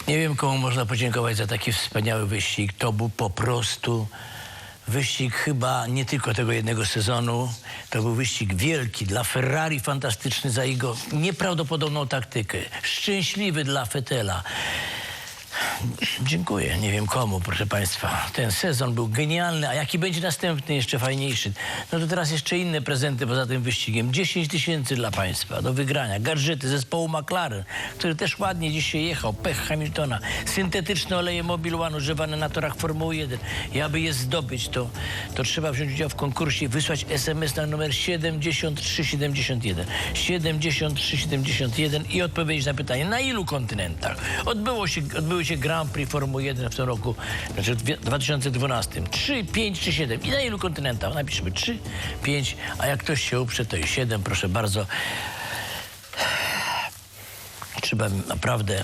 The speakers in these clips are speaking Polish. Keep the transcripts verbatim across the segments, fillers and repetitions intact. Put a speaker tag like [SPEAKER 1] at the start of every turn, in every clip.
[SPEAKER 1] Nie wiem, komu można podziękować za taki wspaniały wyścig. To był po prostu wyścig chyba nie tylko tego jednego sezonu. To był wyścig wielki dla Ferrari, fantastyczny za jego nieprawdopodobną taktykę. Szczęśliwy dla Vettela. Dziękuję. Nie wiem komu, proszę państwa. Ten sezon był genialny, a jaki będzie następny, jeszcze fajniejszy. No to teraz jeszcze inne prezenty poza tym wyścigiem. dziesięć tysięcy dla państwa do wygrania. Gadżety zespołu McLaren, który też ładnie dzisiaj jechał. Pech Hamiltona. Syntetyczne oleje Mobil One używane na torach Formuły jeden. I aby je zdobyć, to, to trzeba wziąć udział w konkursie i wysłać es em es na numer siedemdziesiąt trzy siedemdziesiąt jeden. siedemdziesiąt trzy siedemdziesiąt jeden i odpowiedzieć na pytanie, na ilu kontynentach odbyło się, odbyły się Grand Prix Formuły jeden w tym roku, znaczy w dwa tysiące dwunastym. trzy, pięć czy siedem. I na ilu kontynentach? Napiszmy trzy, pięć, a jak ktoś się uprze, to i siedem, proszę bardzo. Trzeba naprawdę...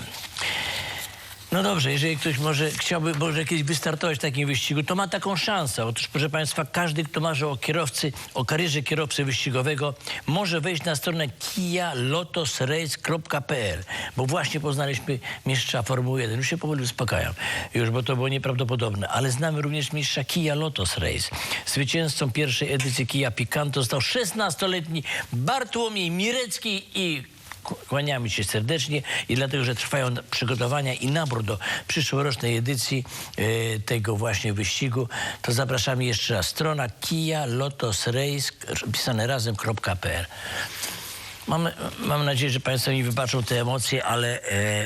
[SPEAKER 1] No dobrze, jeżeli ktoś może chciałby może kiedyś wystartować w takim wyścigu, to ma taką szansę. Otóż, proszę państwa, każdy, kto marzy o kierowcy, o karierze kierowcy wyścigowego, może wejść na stronę kia lotos race kropka p l, bo właśnie poznaliśmy mistrza Formuły jeden. Już się powoli uspokajam, już, bo to było nieprawdopodobne. Ale znamy również mistrza Kia Lotos Race. Zwycięzcą pierwszej edycji Kia Picanto został szesnastoletni Bartłomiej Mirecki i kłaniamy się serdecznie i dlatego, że trwają przygotowania i nabór do przyszłorocznej edycji e, tego właśnie wyścigu, to zapraszamy jeszcze raz. Strona kia lotos race pisane razem kropka p l. Mam, mam nadzieję, że państwo mi wybaczą te emocje, ale e,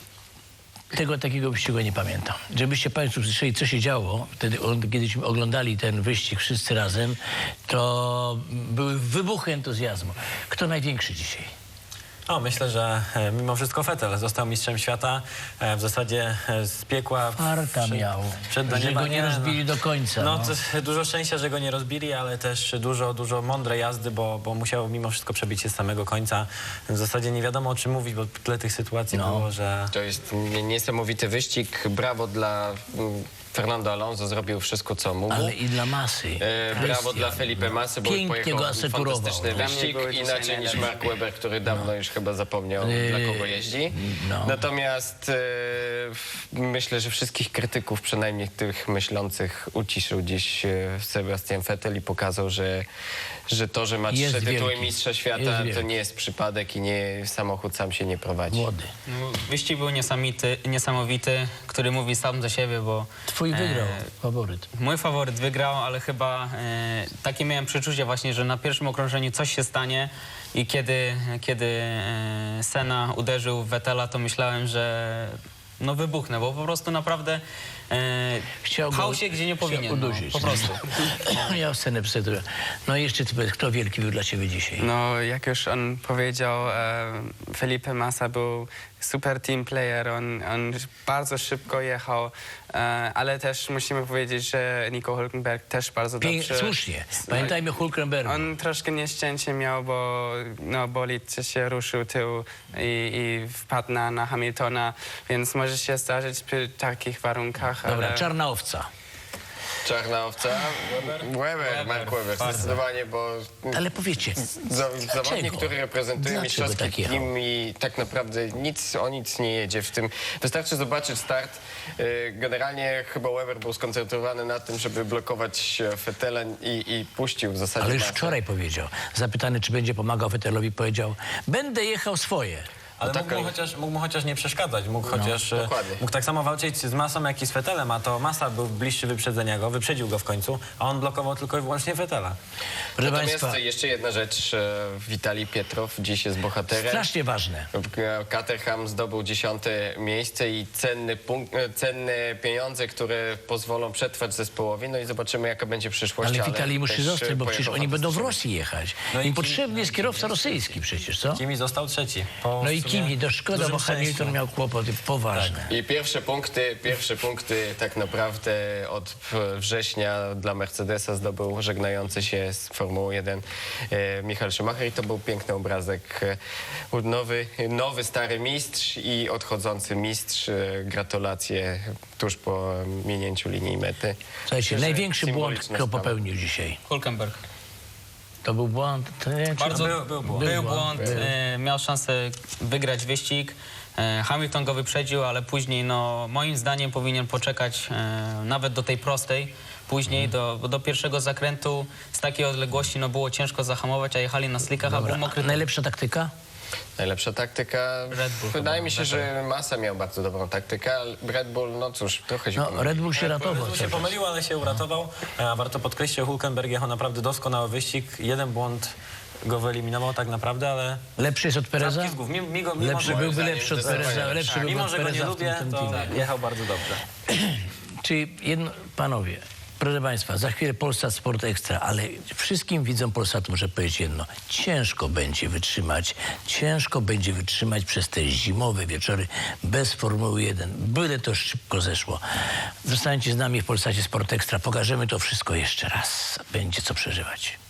[SPEAKER 1] tego takiego wyścigu nie pamiętam. Żebyście państwo słyszeli, co się działo wtedy, kiedyśmy oglądali ten wyścig wszyscy razem, to były wybuchy entuzjazmu. Kto największy dzisiaj?
[SPEAKER 2] O, myślę, że e, mimo wszystko Vettel został mistrzem świata. E, w zasadzie e, z piekła...
[SPEAKER 1] Farta
[SPEAKER 2] przed,
[SPEAKER 1] miał,
[SPEAKER 2] przed do
[SPEAKER 1] że
[SPEAKER 2] nieba,
[SPEAKER 1] go nie rozbili do końca.
[SPEAKER 2] No,
[SPEAKER 1] No.
[SPEAKER 2] to, dużo szczęścia, że go nie rozbili, ale też dużo, dużo mądrej jazdy, bo, bo musiał mimo wszystko przebić się z samego końca. W zasadzie nie wiadomo, o czym mówić, bo tyle tych sytuacji
[SPEAKER 1] No.
[SPEAKER 2] było, że...
[SPEAKER 3] To jest niesamowity wyścig. Brawo dla mm, Fernando Alonso, zrobił wszystko, co mógł.
[SPEAKER 1] Ale i dla Masy.
[SPEAKER 3] E, brawo
[SPEAKER 1] Christian,
[SPEAKER 3] dla Felipe
[SPEAKER 1] no.
[SPEAKER 3] Massy, bo
[SPEAKER 1] Pięknie
[SPEAKER 3] pojechał
[SPEAKER 1] go asekurował.
[SPEAKER 3] fantastyczny
[SPEAKER 1] No.
[SPEAKER 3] wyścig,
[SPEAKER 4] były dzisiaj
[SPEAKER 3] inaczej niż
[SPEAKER 4] najlepsze.
[SPEAKER 3] Mark Webber, który dawno już chyba zapomniał,
[SPEAKER 1] Yy,
[SPEAKER 3] dla kogo jeździ.
[SPEAKER 1] no.
[SPEAKER 3] Natomiast e, myślę, że wszystkich krytyków, przynajmniej tych myślących, uciszył dziś e, Sebastian Vettel i pokazał, że, że to, że ma
[SPEAKER 1] Jest
[SPEAKER 3] trzy tytuły
[SPEAKER 1] wielki.
[SPEAKER 3] mistrza
[SPEAKER 1] Jest
[SPEAKER 3] świata, to
[SPEAKER 1] wielki.
[SPEAKER 3] nie jest przypadek i nie samochód sam się nie prowadzi.
[SPEAKER 1] Młody.
[SPEAKER 4] No, wyścig był niesamowity, niesamowity, który mówi sam za siebie, bo...
[SPEAKER 1] Twój wygrał,
[SPEAKER 4] e,
[SPEAKER 1] faworyt.
[SPEAKER 4] Mój faworyt wygrał, ale chyba e, takie miałem przeczucie właśnie, że na pierwszym okrążeniu coś się stanie i kiedy, kiedy e, Senna uderzył w Vettela, to myślałem, że no wybuchnę, bo po prostu naprawdę e,
[SPEAKER 1] Chciał
[SPEAKER 4] pchał
[SPEAKER 1] go-
[SPEAKER 4] się, gdzie nie
[SPEAKER 1] chciał
[SPEAKER 4] powinien. No,
[SPEAKER 1] udusić.
[SPEAKER 4] po prostu.
[SPEAKER 1] Ja scenę przedstawię. No i jeszcze ty powiedz, kto wielki był dla ciebie dzisiaj?
[SPEAKER 5] No, jak już on powiedział, e, Felipe Massa był super team player, on, on bardzo szybko jechał, e, ale też musimy powiedzieć, że Nico Hülkenberg też bardzo
[SPEAKER 1] Pięk,
[SPEAKER 5] dobrze...
[SPEAKER 1] słusznie. Pamiętajmy Hulkenberg.
[SPEAKER 5] On troszkę nieszczęście miał, bo no, bolid się ruszył tył i, i wpadł na, na Hamiltona, więc może się zdarzyć przy takich warunkach,
[SPEAKER 1] Dobra,
[SPEAKER 5] ale...
[SPEAKER 1] czarna owca.
[SPEAKER 3] Czarna owca? Weber, Mark Webber, zdecydowanie, bo
[SPEAKER 1] Ale powiedzcie,
[SPEAKER 3] za, zawodnik,
[SPEAKER 1] dlaczego?
[SPEAKER 3] który reprezentuje
[SPEAKER 1] Dlaczego
[SPEAKER 3] mistrzowski
[SPEAKER 1] tak jechał?
[SPEAKER 3] team i tak naprawdę nic, o nic nie jedzie w tym. Wystarczy zobaczyć start. Yy, Generalnie chyba Weber był skoncentrowany na tym, żeby blokować Vettela i, i puścił w zasadzie
[SPEAKER 1] ale już
[SPEAKER 3] Massę.
[SPEAKER 1] wczoraj powiedział, zapytany, czy będzie pomagał Vettelowi, powiedział, będę jechał swoje.
[SPEAKER 2] Ale
[SPEAKER 3] No
[SPEAKER 2] mógł,
[SPEAKER 3] taka-
[SPEAKER 2] mu chociaż, mógł mu chociaż nie przeszkadzać, mógł chociaż... e,
[SPEAKER 3] dokładnie.
[SPEAKER 2] Mógł tak samo walczyć z Massą, jak i z Vettelem, a to Massa był bliższy wyprzedzenia go, wyprzedził go w końcu, a on blokował tylko i wyłącznie Vettela.
[SPEAKER 1] Proszę
[SPEAKER 3] Natomiast
[SPEAKER 1] państwa,
[SPEAKER 3] jeszcze jedna rzecz. e, Witalij Pietrow dziś jest bohaterem.
[SPEAKER 1] strasznie ważne.
[SPEAKER 3] Caterham zdobył dziesiąte miejsce i cenny punkt, e, cenne pieniądze, które pozwolą przetrwać zespołowi. No i zobaczymy, jaka będzie przyszłość.
[SPEAKER 1] Ale Witalij musi
[SPEAKER 3] też,
[SPEAKER 1] zostać, bo
[SPEAKER 3] pojechał
[SPEAKER 1] przecież oni będą w
[SPEAKER 3] fantastycznie.
[SPEAKER 1] Rosji jechać.
[SPEAKER 2] No i
[SPEAKER 1] Im
[SPEAKER 2] Kimi-
[SPEAKER 1] potrzebny jest kierowca rosyjski przecież, co?
[SPEAKER 2] Kimi został trzeci. Po
[SPEAKER 1] No i
[SPEAKER 2] w sumie
[SPEAKER 1] Kimi, to szkoda,
[SPEAKER 2] dużym
[SPEAKER 1] bo Hamilton
[SPEAKER 2] szczęściu.
[SPEAKER 1] miał kłopoty poważne.
[SPEAKER 3] I pierwsze punkty, pierwsze punkty tak naprawdę od września dla Mercedesa zdobył żegnający się z Formuły jeden e, Michael Schumacher i to był piękny obrazek. E, Nowy, nowy stary mistrz i odchodzący mistrz. E, Gratulacje tuż po minięciu linii mety.
[SPEAKER 1] Słuchajcie,
[SPEAKER 3] Myślę, że
[SPEAKER 1] największy błąd,
[SPEAKER 3] symboliczna
[SPEAKER 1] kto
[SPEAKER 3] sprawa.
[SPEAKER 1] popełnił dzisiaj.
[SPEAKER 4] Hulkenberg.
[SPEAKER 1] To był błąd? To nie, czy-
[SPEAKER 4] Bardzo
[SPEAKER 2] Był- był błąd.
[SPEAKER 4] Był błąd, e, miał szansę wygrać wyścig. E, Hamilton go wyprzedził, ale później, no, moim zdaniem powinien poczekać e, nawet do tej prostej. Później do, bo do pierwszego zakrętu z takiej odległości no, było ciężko zahamować, a jechali na slickach, a był
[SPEAKER 1] Dobra,
[SPEAKER 4] mokry.
[SPEAKER 1] a najlepsza taktyka?
[SPEAKER 3] Najlepsza taktyka.
[SPEAKER 4] Red Bull
[SPEAKER 3] Wydaje
[SPEAKER 4] chyba,
[SPEAKER 3] mi się, że Massa miał bardzo dobrą taktykę, ale Red Bull, no cóż, trochę się
[SPEAKER 1] No,
[SPEAKER 3] pomylił.
[SPEAKER 1] Red Bull się ratował.
[SPEAKER 2] Red Bull się
[SPEAKER 1] cały czas.
[SPEAKER 2] pomylił, ale się uratował. A warto podkreślić, że Hülkenberg jechał naprawdę doskonały wyścig. Jeden błąd go wyeliminował tak naprawdę, ale
[SPEAKER 1] Lepszy jest od Pereza?
[SPEAKER 2] Czapki z głów. Mimo, mimo, mimo,
[SPEAKER 1] Lepszy
[SPEAKER 2] że,
[SPEAKER 1] byłby
[SPEAKER 3] zdaniem
[SPEAKER 1] lepszy od
[SPEAKER 3] zdecydowanie
[SPEAKER 1] Pereza.
[SPEAKER 3] lepszy.
[SPEAKER 1] Lepszy byłby
[SPEAKER 2] mimo,
[SPEAKER 1] od
[SPEAKER 2] że go nie
[SPEAKER 1] Pereza w
[SPEAKER 2] lubię,
[SPEAKER 1] tym, tym
[SPEAKER 2] to
[SPEAKER 1] teamie.
[SPEAKER 2] jechał bardzo dobrze.
[SPEAKER 1] Czyli jedno, panowie, proszę państwa, za chwilę Polsat Sport Ekstra, ale wszystkim widzom Polsatu muszę powiedzieć jedno. Ciężko będzie wytrzymać, ciężko będzie wytrzymać przez te zimowe wieczory bez Formuły jeden. Byle to szybko zeszło. Zostańcie z nami w Polsacie Sport Ekstra. Pokażemy to wszystko jeszcze raz. Będzie co przeżywać.